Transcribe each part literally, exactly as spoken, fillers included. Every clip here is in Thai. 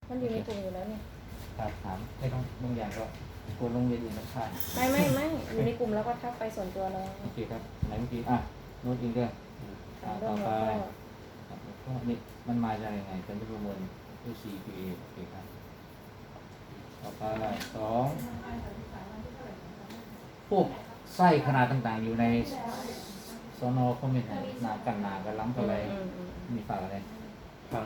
มันอยู่ในกลุ่มอยู่แล้วเนี่ยครับถามไม่ต้องบางอย่างก็ควรลงเรียนอื่นข้างไม่ไม่ไม่อยู่ในกลุ่มแล้วก็ทักไปส่วนตัวเราโอเคครับไหนเมื่อกี้อ่ะโน้ตอินเดอร์ถามเรื่ต่ออง ไปหัวข้อครับแล้วก็นี่มันมาจากยังไงเป็นประมวลด้วย ซี พี เอ โอเคครับต่อไปสองพวกไส้ขนาดต่างๆอยู่ในสนคอมเมนต์หนากันหนากันล้ำกันอะไรอืมอืมอืมมีฝากอะไรผัง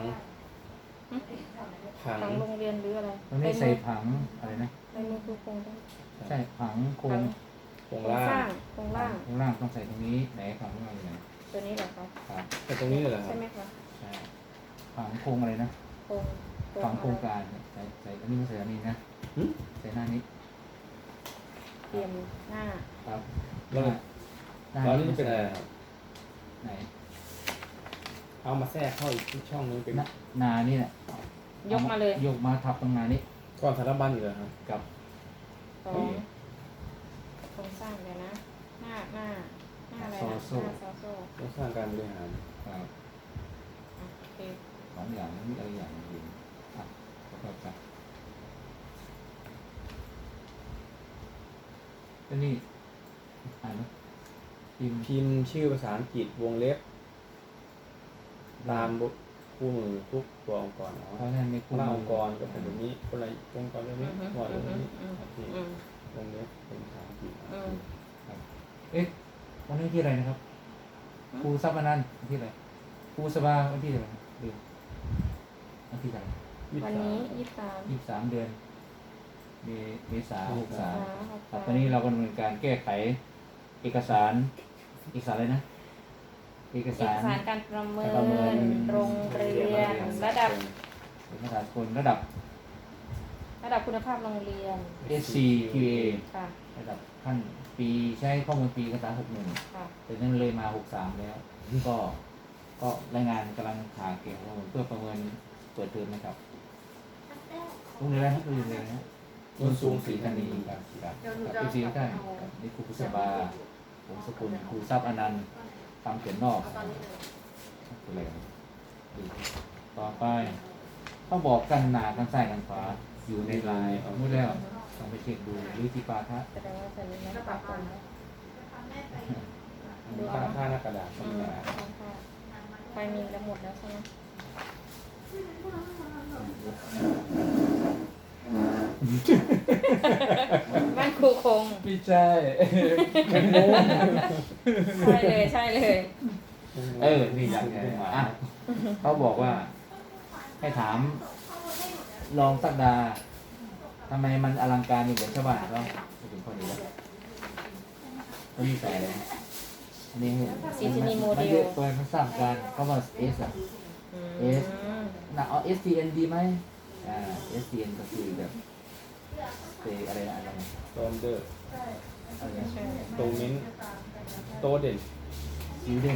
ผังทางโรงเรียนหรืออะไรตรงนี้ใส่ผังอะไรนะในมือคือโครงได้ใช่ผังโครผังงโครงโครงล่าสร้าง งโครงล่างข้างล่างต้องใส่ตรงนี้ไหนผังข้างล่างอยู่ไหนตัวนี้เหรอคะครับแต่ตรงนี้เลยเหรอครัใช่บไหมคะใช่ผังโครงอะไรนะโครงโครงผังโครงอะไรการเนี่ยใส่ใส่อันนี้มาใส่อันนี้นะหึใส่หน้านี้เตรียมหน้าครับแล้วหน้าตอนนี้มันเป็นอะไรครับไหนเอามาแทรกเข้าอีกช่องนึงเป็นหน้าหนานี่แหละยกมาเลยยกมาทับตรงหนานี้ก่อนสารบัญอยู่เหรอครับกับสองโครงสร้างเดี๋ยวนะ หน้าหน้าหน้าอะไรนะหน้าซอโซ่ต้องสร้างการบริหารครับอ่ะโอเคสองอย่างนี้อะไรอย่างอื่นอ่ะประกอบกันแล้วนี่อ่านไหมพิมพ์พิมพ์ชื่อภาษาอังกฤษวงเล็บ ตามบทคู่มือทุกตัวองค์กรเนาะเพราะฉะนั้นในคนละองค์กรก็เป็นแบบนี้คนละองค์กรแบบนี้อืมหมวดแบบนี้อืมโอเคอืมวงเล็บเป็นภาษาอังกฤษอืมครับเอ๊ะวันนี้ที่อะไรนะครับครูซับมานันท์วันที่อะไรครูสบาวันที่อะไรลืมวันที่อะไรยี่สิวันบสามนี้ยี่สิบสามยี่สิบสามเดือนเมเมษาหกสามหกครับสามตอนนี้เรากำลังการแก้ไขเอกสารเอกสารอะไรนะ เอกเอกสารสารการประเมิการประเมินนโรงเรียนระดับเอกสารคนระดับระดับคุณภาพโรงเรียนเอส ซี คิว เอค่ะระดับขั้นปีใช้ข้อมูลปีเอกสารหกหนึ่งค่ะแต่นั้นเลยมาหกสามแล้ว ก็ก็รายงานกำลังหาเก็บข้อมูลเพื่อประเมินเปิดเทอมนะครับโรงเรียนอะไรนะโรงเรียนอะไรนะโน้นสูงสีธานีครับครับครับพี่ซีทุกท่านครับนี่ครูพุทธบาผมสกุลครูทรัพย์อนันต์คำเขียนนอกอะไรนะดีต่อไปเขาบอกกันหนากันใส่กันฟ้าอยู่ในลายเอาหมดแล้วต้องไปเช็คดูหรือที่ปาทะแสดงว่าจะมีนักปรับก่อนนะค่าค่าหน้ากระดาษธรอืรมมดาค่ะไฟมีแล้วหมดแล้วใช่ไหมบ้านครูคงไม่ใช่เป็นโม้ใช่เลยใช่เลยเออนี่อยากไงอ่ะเขาบอกว่า ให้ถามลองสักดาทำไมมันอลังการอยู่เหมือนชาวบ้านเขาไปถึงคนนี้แล้วก็มีใส่เลยอันนี้ซีทีนีโมเดมันลเยอะเกินมันสร้างการเขาว่าเอสอะอื S มน่ะเอา เอส ที เอ็น ดีไหมอ่า เอส ที เอ็น ก็คือแบบเออะไรนะอะไรนะโตมเดอร์อะไรนะใช่โตเมนโตเด่นซิลเดน